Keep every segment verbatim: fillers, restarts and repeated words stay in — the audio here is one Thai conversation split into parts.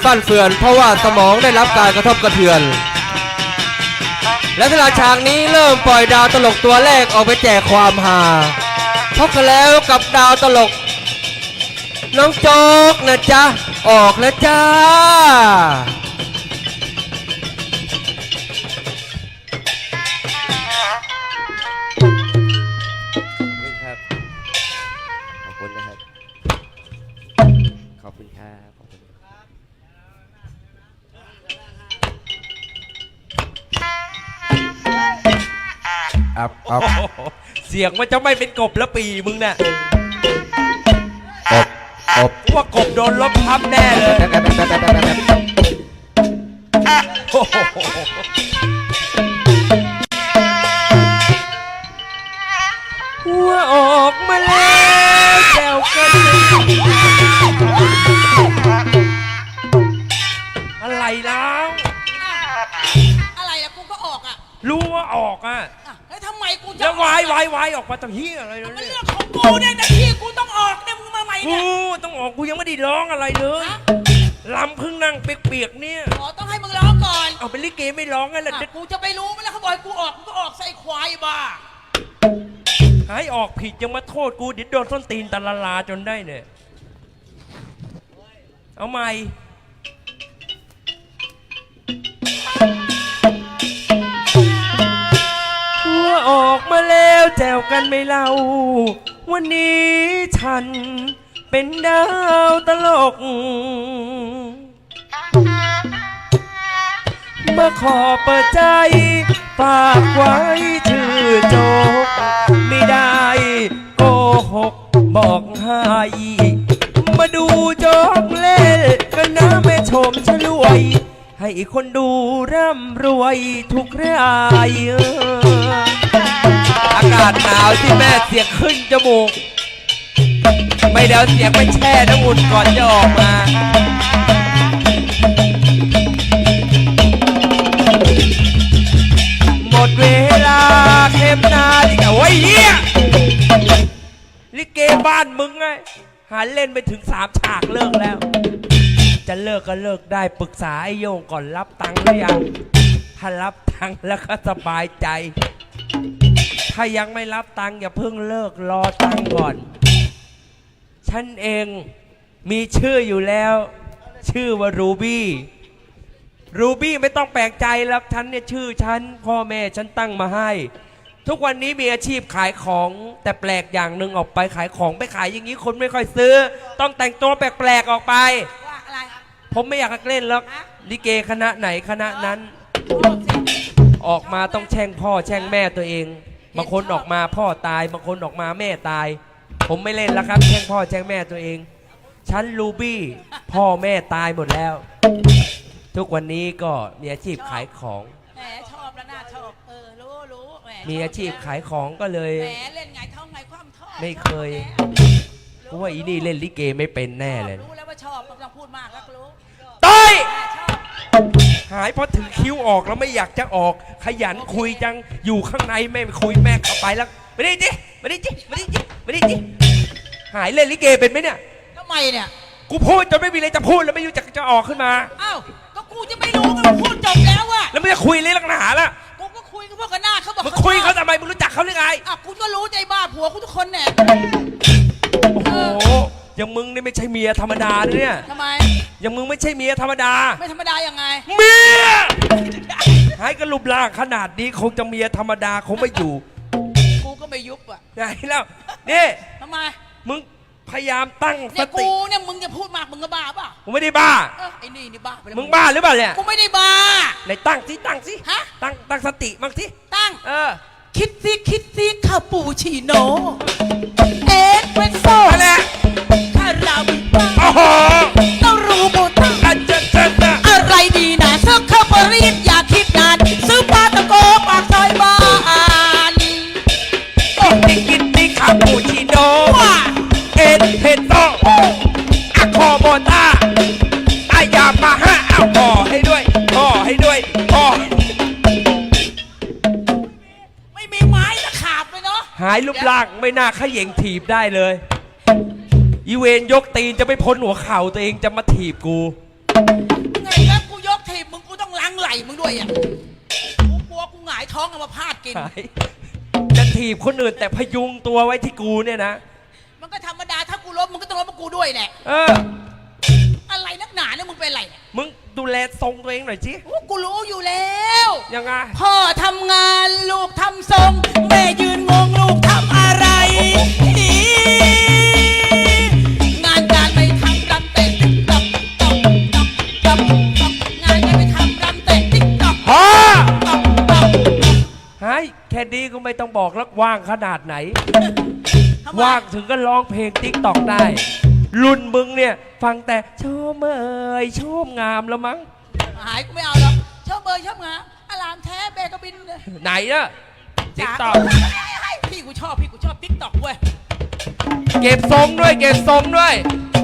ฟั่นเฟือนเพราะว่าสมองได้รับการกระทบกระเทือนและสลาฉากนี้เริ่มปล่อยดาวตลกตัวแรกออกไปแจกความฮาพบกันแล้วกับดาวตลกน้องโจ๊กนะจ๊ะออกแล้วจ้าขอบคุณนะครับขอบคุณครับขอบคุณอับอับเสียงมันจะไม่เป็นกบแล้วปีมึงน่ะอบอบว่ากบโดนลบทับแน่เลยหัวออกมาแล้วแซวกันอะไรแล้วอะไรอะกูก็ออกอะรู้ว่าออกอะแล้วทำไมกูจะแล้ววายวายวายออกมาตั้งเฮียอะไรเลยมันเรื่องของกูเนี่ยแต่ที่กูต้องออกเนี่ยมึงมาใหม่เนี่ยกูต้องออกกูยังไม่ได้ร้องอะไรเลยลำพึ่งนั่งเปียกๆเนี่ยอ๋อต้องให้มึงร้องก่อนเอาเป็นลิเกไม่ร้องไงล่ะกูจะไปรู้ไหมล่ะเขาบอกกูออกกูก็ออกใส่ควายบ้าหายออกผิดยังมาโทษกูเดี๋ยวโดนส้นตีนตะละลาจนได้เนี่ยเอาใหม่หัวออกมาแล้วแจวกันไม่เล่าวันนี้ฉันเป็นดาวตลกมาขอเปิดใจฝากไว้ชื่อโจ๊กไม่ได้โกหกบอกให้มาดูโจ๊กเล่นกันนะแม่ชมฉลวยให้คนดูร่ำรวยทุกรายอากาศหนาวที่แม่เสียงขึ้นจมูกไม่เดาเสียงไปแช่น้ำอุ่นก่อนจะออกมาหมดเวลาเข็มนาฬิกาโอ้ยเหี้ยลิเกบ้านมึงไงหาเล่นไปถึงสามฉากเลิกแล้วจะเลิกก็เลิกได้ปรึกษาไอ้โยงก่อนรับตังค์หรือยังถ้ารับตังค์แล้วก็สบายใจถ้ายังไม่รับตังค์อย่าเพิ่งเลิกรอตังค์ก่อนฉันเองมีชื่ออยู่แล้วชื่อว่ารูบี้รูบี้ไม่ต้องแปลกใจแล้วฉันเนี่ยชื่อฉันพ่อแม่ฉันตั้งมาให้ทุกวันนี้มีอาชีพขายของแต่แปลกอย่างหนึ่งออกไปขายของไปขายอย่างนี้คนไม่ค่อยซื้อต้องแต่งตัวแปลกๆออกไปว่าอะไรผมไม่อยากเล่นแล้วลิเกคณะไหนคณะนั้นออกมาต้องแช่งพ่อแช่งแม่ตัวเองบางคนออกมาพ่อตายบางคนออกมาแม่ตายผมไม่เล่นแล้วครับแช่งพ่อแช่งแม่ตัวเองฉันรูบี้พ่อแม่ตายหมดแล้วทุกวันนี้ก็มีอาชีพขายของแหมชอบแล้วน่าชอบเออรู้รู้แหมมีอาชีพขายของก็เลยแหมเล่นไงท้องไงคว่ำท่อไม่เคยเพราะว่าอีนี่เล่นลิเกไม่เป็นแน่เลยรู้แล้วว่าชอบไม่ต้องพูดมากแล้วรู้ต้อยหายเพราะถึงคิ้วออกแล้วไม่อยากจะออกขยันคุยจังอยู่ข้างในแม่คุยแม่เข้าไปแล้วไม่ได้จิไม่ได้จิไม่ได้จิไม่ได้จิหายเล่นลิเกเป็นไหมเนี่ยทำไมเนี่ยกูพูดจนไม่มีอะไรจะพูดแล้วไม่รู้จักจะออกขึ้นมาอ้าวก็กูจะไม่รู้ก็พูดจบแล้วอะแล้วไม่จะคุยเลยลักหนาล่ะกูก็คุยกับพวกกันหน้าเขาบอกมึงคุยเขาทำไมมึงรู้จักเขาหรือไงอ่ะกูก็รู้ใจบ้าผัวกูทุกคนเนี่ยโอ้โหอย่างมึงนี่ไม่ใช่เมียธรรมดาเนี่ยทำไมอย่างมึงไม่ใช่เมียธรรมดาไม่ธรรมดายังไงเมียหายกระลุบล่างขนาดนี้คงจะเมียธรรมดาคงไม่อยู่กูก็ไม่ยุบอ่ะไงแล้วนี่ทำไมมึงพยายามตั้งสติกูเนี่ยมึงจะพูดมากมึงก็บ้าป่ะกูไม่ได้บ้าไอ้นี่นี่บ้ามึงบ้าหรือเปล่าเนี่ยกูไม่ได้บ้าไหนตั้งสิตั้งสิฮะตั้งตั้งสติบ้างสิตั้งเออคิดสิคิดสิคาปูชิโน่เอสเปรสโซ่อะไรคาราบิต้าโอ้โหต้องรู้โบต้าอาจารย์อะไรดีนะซื้อข้าวปรีดอย่าคิดนานซื้อปลาตะโกปากซอยบ้านก็ติกินติคาปูชิโน่เอ็นเพนโตอะคอโบต้าอายามาฮะเอาห่อให้ด้วยห่อให้ด้วยห่อไม่มีไม้ตะขาบเลยเนาะหายรูปร่างไม่น่าขย่งถีบได้เลยอีเวนยกตีนจะไม่พ้นหัวเข่าตัวเองจะมาถีบกูงไหลมึงด้วยอ่ะกูกลัวกูหงายท้องเอามาพาดกินหายจะถีบคนอื่นแต่พยุงตัวไว้ที่กูเนี่ยนะมันก็ธรรมดาถ้ากูล้มมึงก็ต้องล้มกับกูด้วยแหละเอออะไรนักหนาเนี่ยมึงเป็นอะไรเนี่ยมึงดูแลทรงตัวเองหน่อยสิโอ้กูรู้อยู่แล้วยังไงพ่อทำงานลูกทำทรงแม่ยืนงงลูกทำอะไร งานการไม่ทำรำเตะติ๊กต๊อกต๊อกต๊อกต๊อกต๊อกงานการไม่ทำรำเตะติ๊กต๊อกพอต๊อกต๊อกหายแค่นี้ก็ไม่ต้องบอกแล้วว่างขนาดไหนทำไมว่างถึงก็ร้องเพลงติ๊กตอกได้ รุ่นมึงเนี่ยฟังแต่ชมเอ่ยชมงามแล้วมั้งหายกูไม่เอาหรอกชอบเบยชอบงาอารามแท้เบกบินเลยไหนนะติ๊กตอกพี่กูชอบพี่กูชอบติ๊กต็อกเว้ยเก็บทรงด้วยเก็บทรงด้วย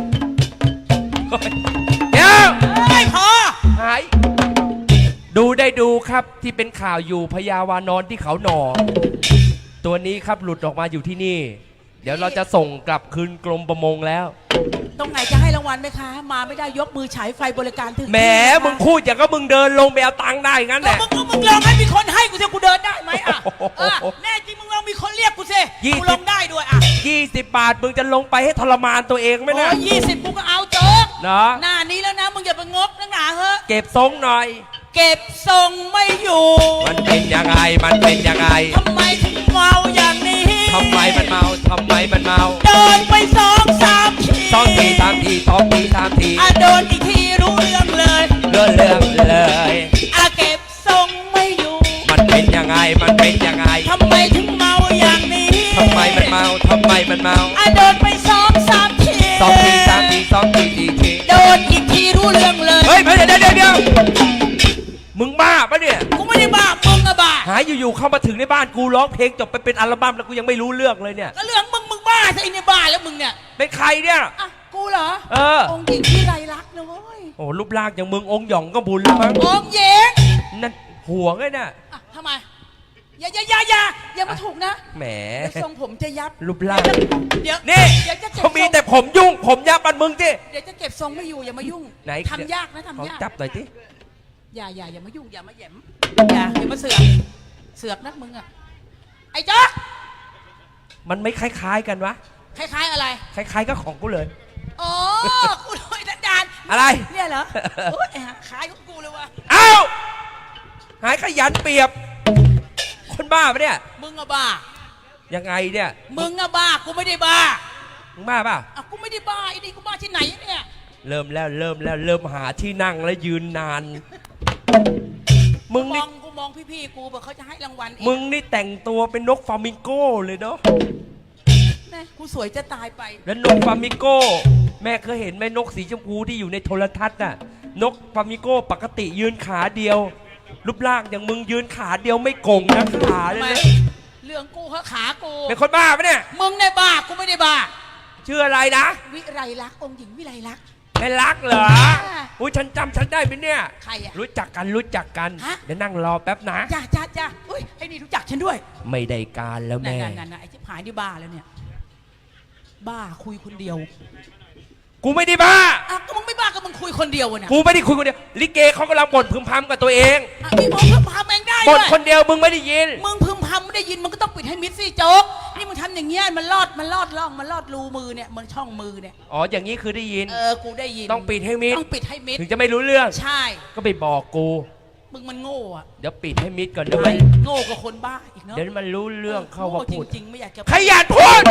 เดี๋ยวไม่พอหายดูได้ดูครับที่เป็นข่าวอยู่พญาวานอนที่เขาหนอ ตัวนี้ครับหลุดออกมาอยู่ที่นี่ เดี๋ยวเราจะส่งกลับคืนกรมประมงแล้วตรงไหนจะให้รางวัลไหมคะ มาไม่ได้ยกมือฉายไฟบริการถึงแหมมึงพูดอย่างก็มึงเดินลงไปเอาตังค์ได้งั้นแหก็ละมึงก็มึงลองให้มีคนให้กูสิกูเดินได้ไหมอ่ะโอ้โหเออแน่จริงมึงลองมีคนเรียกกูสิยี่สิบกูลงได้ด้วยอ่ะยี่สิบบาทมึงจะลงไปให้ทรมานตัวเองไหมโอ้นะยี่สิบกูก็เอาโจ๊กเนาะหน้านี้แล้วนะมึงอย่าไปงกนักหนาเฮ้อะเก็บทรงหน่อยเก็บทรงไม่อยู่มันเป็นยังไงมันเป็นยังไงทำไมถึงเมาอย่างนี้ทำไมมันเมาทำไมมันเมาโดนไปสองสามทีสองทีสามทีสองทีสามทีอ่ะโดนอีกทีรู้เรื่องเลยเรื่องเรื่องเลยอ่ะเก็บทรงไม่อยู่มันเป็นยังไงมันเป็นยังไงทำไมถึงเมาอย่างนี้ทำไมมันเมาทำไมมันเมาอ่ะโดนไปสองสามทีสองทีสามทีสองทีสี่ทีโดนอีกทีรู้เรื่องเลยเฮ้ยเดี๋ยวเดี๋ยวเดี๋ยวมึงบ้าปะเนี่ยกูไม่ได้บ้ามึงอะบ้าหายอยู่ๆเข้ามาถึงในบ้านกูร้องเพลงจบไปเป็นอัลบั้มแล้วกูยังไม่รู้เรื่องเลยเนี่ยก็เรื่องมึงมึงบ้าซะไอ้เนี่ยบ้าแล้วมึงเนี่ยเป็นใครเนี่ยอ่ะกูเหรอเออองค์หญิงที่ไรลักษณ์นะเว้ยโอ้รูปร่างอย่างมึงองค์หยองก็บุญแล้วมั้งองค์หญิงนั่นห่วงไอ้น่ะอ่ะทำไมอย่าอย่าอย่าอย่าอย่ามาถูกนะแหมเดี๋ยวทรงผมจะยับรูปร่างเดี๋ยวนี่เดี๋ยวจะเก็บเขามีทรงแต่ผมยุ่ง ผมยับมันมึงจิเดี๋ยวจะเก็บทรงไม่อยู่อย่ามายุ่งไหนทำยากนะเขาทำยากจับหน่อยจิอย่าอย่าอย่ามายุ่งอย่ามาแหย่มอย่าอย่ามาเสือกเสือกนักมึงอะไอ้จ๊อกมันไม่คล้ายๆกันวะคล้ายๆอะไรคล้ายๆก็ของกูเลยอ๋อกูโดยดันดานอะไรเนี่ยเหรอโอ้ยไอ้ห่าคล้ายของกูเลยว่ะเอ้าหายขยันเปรียบ คนบ้าปะเนี่ยมึงอะบ้ายังไงเนี่ยมึงอะบ้ากูไม่ได้บ้ามึงบ้าป่ะอ่ะกูไม่ได้บ้าไอ้นี่กูบ้าที่ไหนเนี่ยเริ่มแล้วเริ่มแล้วเริ่มหาที่นั่งแล้วยืนนาน มึงมนี่องกูมองพี่ๆกูบอกเขาจะให้รางวัลอีกมึงนี่แต่งตัวเป็นนกฟลามิงโก้เลยเนาะแม่กูสวยจะตายไปแล้วนกฟลามิงโก้ แม่เคยเห็นไหมนกสีชมพูที่อยู่ในโทรทัศน์น่ะ นกฟลามิงโก้ปกติยืนขาเดียว รูปร่างอย่างมึงยืนขาเดียวไม่โก่งนะขาเลยทำไมนะเรื่องกูเขาขากูเป็นคนบ้าปะเนี่ยมึงเนี่ยบ้ากูไม่ได้บ้าชื่ออะไรนะวิไรลักษณ์องค์หญิงวิไรลักษณ์แม่รักเหรอค่ะอุ้ยฉันจำฉันได้ไหมเนี่ยใครอะรู้จักกันรู้จักกันฮะเดี๋ยวนั่งรอแป๊บนะจ้าจ้าจ้าอุ้ยไอ้นี่รู้จักฉันด้วยไม่ได้การแล้วนั่นแม่นั่นนั่นไอ้ชิบหายนี่บ้าแล้วเนี่ย บ้าคุยคนเดียวกูไม่ได้บ้าอ่ะก็มึงไม่บ้าก็มึงคุยคนเดียวอะเนี่ยกูไม่ได้คุยคนเดียว ลิเกเขากำลังบ่นพึมพำกับตัวเองอ่ะพี่บอกพึมพำเองได้บ่ด้นวยคนเดียวมึงไม่ได้ยินมึงพึมพำไม่ได้ยินมึงก็ต้องปิดให้มิดสิโจ๊กนี่มึงทำอย่างเงี้ยมันลอดมันลอดล่องมันลอดรูมือเนี่ยมันช่องมือเนี่ยอ๋ออย่างนี้คือได้ยินเออกูได้ยินต้องปิดให้มิดต้องปิดให้มิดถึงจะไม่รู้เรื่องใช่ก็ไปบอกกูมึงมันโง่อะเดี๋ยวปิดให้มิดก่อนเดี๋ยวใช่มันโง่กว่าคนบ้าอีกเนาะเดี๋ยวมันรู้เรื่องเข้าว่าโง่พูดจริงๆไม่อยากจะขยันพูด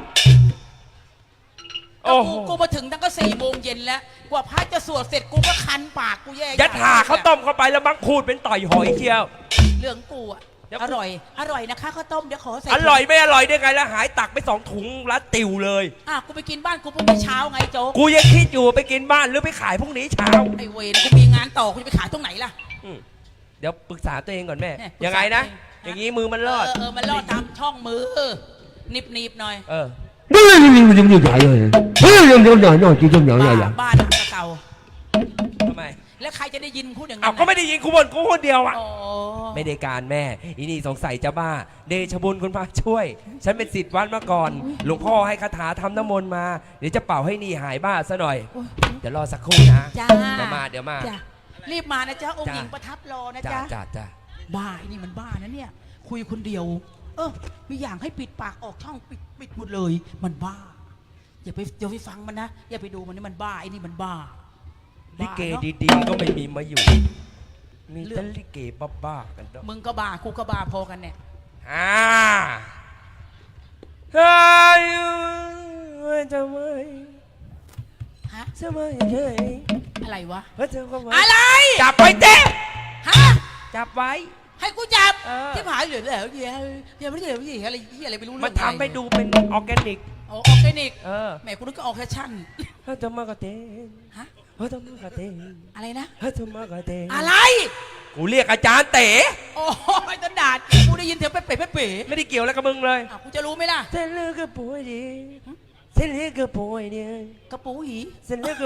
โอ้โอ้โหกูมาถึงตั้งก็สี่โมงเย็นแล้วกว่าพระจะสวดเสร็จกูก็คันปากกูแย่ยัดหาข้าวต้มเข้าไปแล้วมังพูดเป็นต่อยหอยเชียวเรื่องกูอะเดี๋ยวอร่อย อร่อยนะคะข้าวต้มเดี๋ยวขอใส่อร่อยไม่อร่อยได้ไงแล้วหายตักไปสองถุงรัดติวเลยอ่ะกูไปกินบ้านกูพรุ่งนี้เช้าไงโจ๊กกูยังคิดอยู่ไปกินบ้านหรือไปขายพรุ่งนี้เช้าไอเวรกูมีงานต่อกูจะไปขายตรงไหนล่ะอืมเดี๋ยวปรึกษาตัวเองก่อนแม่เนี่ยปรึกษายังไงนะตัวเองอย่างนี้มือมันรอดเออเออมันรอดตามช่องมือหนิบหนีบหน่อยเออบ้านบ้านหลังเก่าทำไมแล้วใครจะได้ยินพูดอย่างนั้อ้าวน ก็ไม่ได้ยินกูบ่นกูคนเดียวอ่ะอ๋อไม่ได้การแม่อีนี่สงสัยจะบ้า เดชบุญคุณพระช่วย ฉันเป็นศิษย์วัดมาก่อน หลวงพ่อให้คาถาทำน้ำมนต์มา เดี๋ยวจะเป่าให้นี่หายบ้าซะหน่อยโอ้ยเดี๋ยวรอสักครู่นะจ้าเดี๋ยวมาเดี๋ยวมาจ้ารีบมานะจ๊ะองค์จ้ะหญิงประทับรอนะจ้าจ๊ะจ้าจ้าบ้าไอ้นี่มันบ้านะเนี่ย คุยคนเดียว เออมีอย่างให้ปิดปากออกช่องปิดปิดหมดเลย มันบ้า อย่าไปอย่าไปฟังมันนะอย่าไปดูมันนี่มันบ้าไอ้นี่มันบ้าลิเกบ้านาะดีๆก็ไม่มีมาอยู่ มีแต่ลิเกบ้าๆกันเนาะมึงก็บ้ากูก็บ้าพอกันเนี่ยอ่าเฮ้ยทำไมฮะทำไมเฮ้ยอะไรวะเฮ้ยเธอก็มาอะไรจับไว้เต้ฮะจับไว้ให้กูจับเออที่ผายเหลือแล้วเหี้ยเหี้ยไม่ได้เหลือเหี้ยอะไรเหี้ยอะไรไม่รู้เรื่มาองอะไรทำให้ดูเป็นออร์แกนิกโอ้ออร์แกนิกเออแหมกูนึกก็ออร์แคชั่นเฮ้ยทำมากระเตงฮะเฮ้ยทำมากระเตงอะไรนะเฮ้ยทำมากระเตงอะไรกูเรียกอาจารย์เต๋โอ้ยต้นดาดกูได้ยินเสียงเป๊ะเป๊ะเป๊ะเป๊ะไม่ได้เกี่ยวอะไรกับมึงเลยอ่ะกูจะรู้ไหมล่ะเส้นเลือดก็ป่วยดีเส้นเลือดก็ป่วยดีกระปูหีเส้นเลือดก็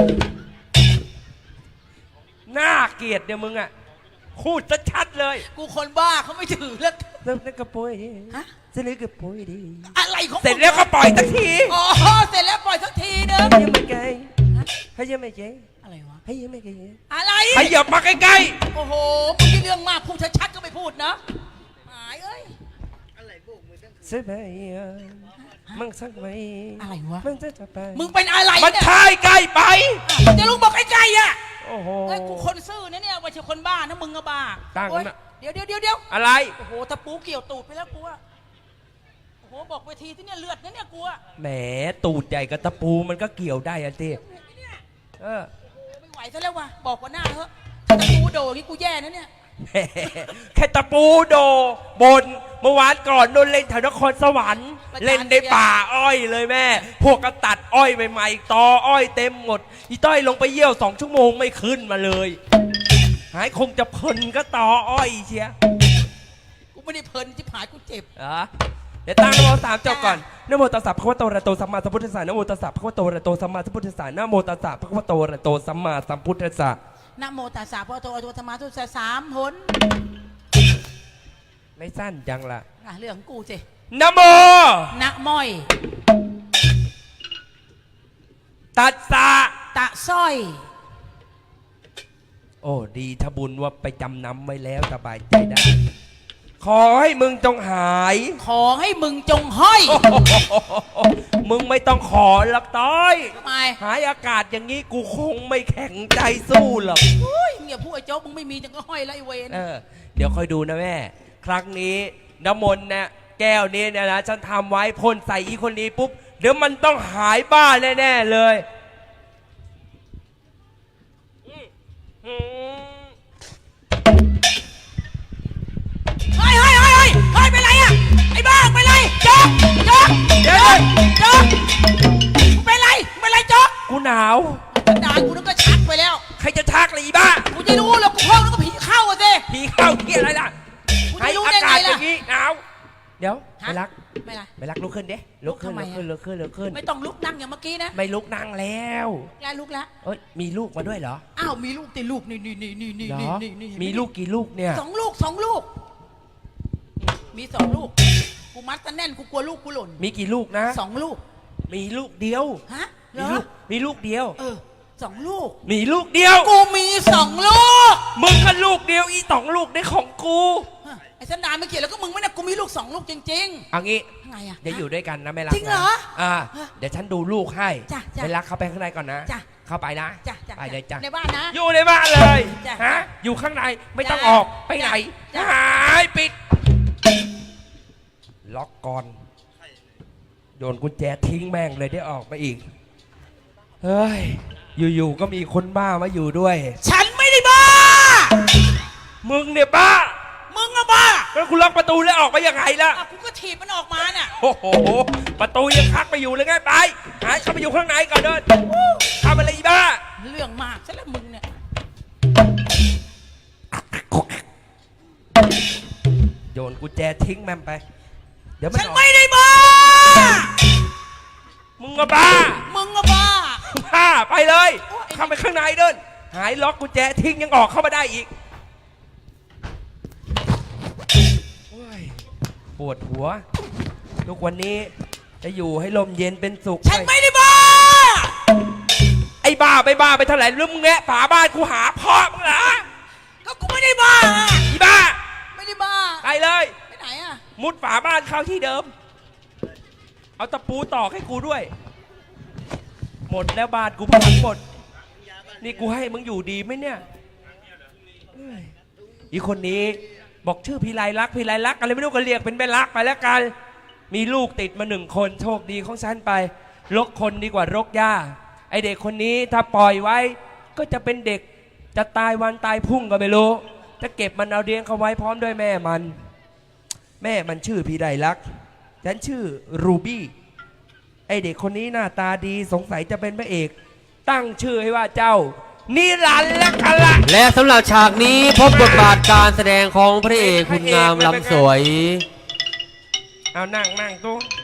น่าเกลียดเนี่ยมึงอ่ะพูดชัดๆเลยกูคนบ้าเขาไม่ถือแล้วเส้นเลือดก็ป่วยดีฮะเส้นเลือดก็ป่วยดีอะไรของมึงเสร็จแล้วก็ปล่อยสักทีอ๋อเสร็จแล้วปล่อยสักทีนึงให้ยังไม่ไกลฮะให้ยังไม่ไกลอะไรวะให้ยังไม่ไกลอะไรให้อย่ามาใกล้โอ้โหมึงที่เรื่องมากพูดชัดๆก็ไม่พูดนะหายเอ้ยๆใช่ไหมมึงสักไหมอะไรวะมึงจะจะไปมึงเป็นอะไรมันเนี่ยชายใกล้ไปอ่ะจะลุงบอกใกล้ๆอ่ะโอ้โหเอ้ยกูคนซื่อนะเนี่ยไม่ใช่คนบ้านะมึงก็บ้าตั้งโอ๊ยนะเดี๋ยวเดี๋ยวเดี๋ยวเดี๋ยวอะไรโอ้โหตะปูเกี่ยวตูดไปแล้วกูอะโอ้โหบอกเวทีที่เนี่ยเลือดนะเนี่ยกูอะแหมตูดใหญ่กับตะปูมันก็เกี่ยวได้อะทีเออไม่ไหวซะแล้ววะบอกว่าหน้าเถอะถ้าตะปูโดดนี่กูแย่นะเนี่ยแหมแค่ตะปูโดบนเมื่อวานก่อนโดนเล่นแถวนครสวรรค์เล่นในป่าอ้อยเลยแม่ พวกก็ตัดอ้อยใหม่ๆตออ้อยเต็มหมดอีต้อยลงไปเยี่ยวสองชั่วโมงไม่ขึ้นมาเลย หายคงจะเพลินก็ตออ้อยเชียกูไม่ได้เพลินที่ผายกูเจ็บเหรอเดี๋ยวตั้งนโมสามจบก่อนนะโมตัสสะภะคะวะโตอะระหะโตสัมมาสัมพุทธัสสะนะโมตัสสะภะคะวะโตอะระหะโตสัมมาสัมพุทธัสสะนะโมตัสสะภะคะวะโตอะระหะโตสัมมาสัมพุทธัสสะนะโมตัสสะพระโตอะระหะโตธรรมาทุสะสามหนไม่สั้นจังล่ะอ่ะเรื่องของกูสินะโมนะม้อยตัสสะตะสร้อยโอ้ดีถ้าบุญว่าไปจำนำไว้แล้วสบายใจได้ ขอให้มึงจงหายขอให้มึงจงห้อยมึงไม่ต้องขอหรอกต้อยทำไมหายอากาศอย่างนี้กูคงไม่แข็งใจสู้หรอกอุ้ยเนี่ยพูดไอ้โจ๊กมึงไม่มีจังก็ห้อยแล้วไอ้เวนเออเดี๋ยวค่อยดูนะแม่ ครั้งนี้น้ำมนต์เนี่ยแก้วนี้เนี่ยนะฉันทำไว้พ่นใส่อีคนนี้ปุ๊บ เดี๋ยวมันต้องหายบ้าแน่ๆเลยอืมอืมเฮ้ยเฮ้ยเฮ้ยเฮ้ยเฮ้ยเป็นไรอะไอ้บ้าเป็นไรโจ๊กโจ๊กเดี๋ยวเลยโจ๊กเป็นไรเป็นไรโจ๊กกูหนาวด่ากูนึกก็ชักไปแล้วใครจะทักเลยอีบ้ากูจะรู้แล้วกูเข้าแล้วก็ผีเข้าอะสิผีเข้าที่อะไรล่ะกูให้จะรู้อาได้ไงกาศอล่ะย่างนี้หนาวเดี๋ยวฮะไม่รักไม่ไรไม่รักลุกขึ้นเด้ลุกขึ้นลุลุกกทำไมขึ้นอะลุกขึ้นลุกขึ้นไม่ต้องลุกนั่งอย่างเมื่อกี้นะไม่ลุกนั่งแล้วแล้วลุกแล้วเอ้ยมีลูกมาด้วยเหรออ้าวมีลูกติลูกนี่นี่นี่นี่นี่เหรนี่อนี่นี่มีลูกกี่ลูกเนี่ยสองลูกสองลูก มีสองลูกกูมัดกันแน่นกูกลัวลูกกูหล่นมีกี่ลูกนะสองลูกมีลูกเดียวฮะเหรมีอลูกมีลูกเดียวเออสองลูกมีลูกเดียวกูมีสองลูกมึงก็ลูกเดียวอีสองลูกได้ของกูฮะไอ้สันดานไม่เกี่ยวแล้วก็มึงไม่เนี่ยกูมีลูกสองลูกจริงเอางี้ๆยังไงอะเดี๋ยวอยู่ด้วยกันนะไม่รักจริงเหรอนะอ่าฮะเดี๋ยวฉันดูลูกให้จ้ะจ้ะไม่รักเข้าไปข้างในก่อนนะจ้ะเข้าไปนะจ้ะจ้ะไปเลยจ้ะในบ้านนะอยู่ในบ้านเลยจ้ะฮะอยู่ข้างในไม่ต้องจ้ะออกไปไหนจ้ะหายปิด ล็อกก่อนโยนกุญแจทิ้งแม่งเลยได้ออกไปอีกเฮ้ยอยู่ๆก็มีคนบ้ามาอยู่ด้วยฉันไม่ได้บ้ามึงเนี่ยบ้ามึงอะบ้าแล้วคุณล็อกประตูแล้วออกไปยังไงล่ะอ่ะกูก็ถีบมันออกมาน่ะโอ้โหประตูยังคักไปอยู่เลยไงไปหายเข้าไปอยู่ข้างในก่อนเดินทำอะไรอีบ้าเรื่องมากซะแล้วมึงเนี่ยโยนกุญแจทิ้งแม่มไป เดี๋ยวมันฉันออกไม่ได้บ้ามึงก็บ้ามึงอะบ้าบ้าไปเลยโอ้ยเข้าไปข้างในเดิน หายล็อกกุญแจทิ้งยังออกเข้ามาได้อีกโอ้ยปวดหัว ทุกวันนี้จะอยู่ให้ลมเย็นเป็นสุขฉันไม่ได้บ้าไอ้บ้าไปบ้าไปเท่าไหร่แล้วมึงแงะฝาบ้านกูหาพ่อมึงเลยไปไหนอ่ะมุดฝาบ้านเข้าที่เดิม เอาตะปูตอกให้กูด้วย หมดแล้วบ้านกูพังหมด นี่กูให้มึงอยู่ดีไหมเนี่ยเอ้ยอีคนนี้บอกชื่อพิไลลักษณ์พิไลลักษณ์อะไรไม่รู้ก็เรียกเป็นแม่ลักษณ์ไปแล้วกัน มีลูกติดมาหนึ่งคนโชคดีของฉันไปรกคนดีกว่ารกหญ้าไอเด็กคนนี้ถ้าปล่อยไว้ก็จะเป็นเด็กจะตายวันตายพรุ่งก็ไม่รู้จะเก็บมันเอาเลี้ยงเขาไว้พร้อมด้วยแม่มัน แม่มันชื่อพิไลลักษณ์ฉันชื่อรูบี้ไอเด็กคนนี้หน้าตาดีสงสัยจะเป็นพระเอกตั้งชื่อให้ว่าเจ้านิรันดร์และกันละและสำหรับฉากนี้พบบทบาทการแสดงของพระเอกคุณงามลำสวยเอานั่งนั่งตัว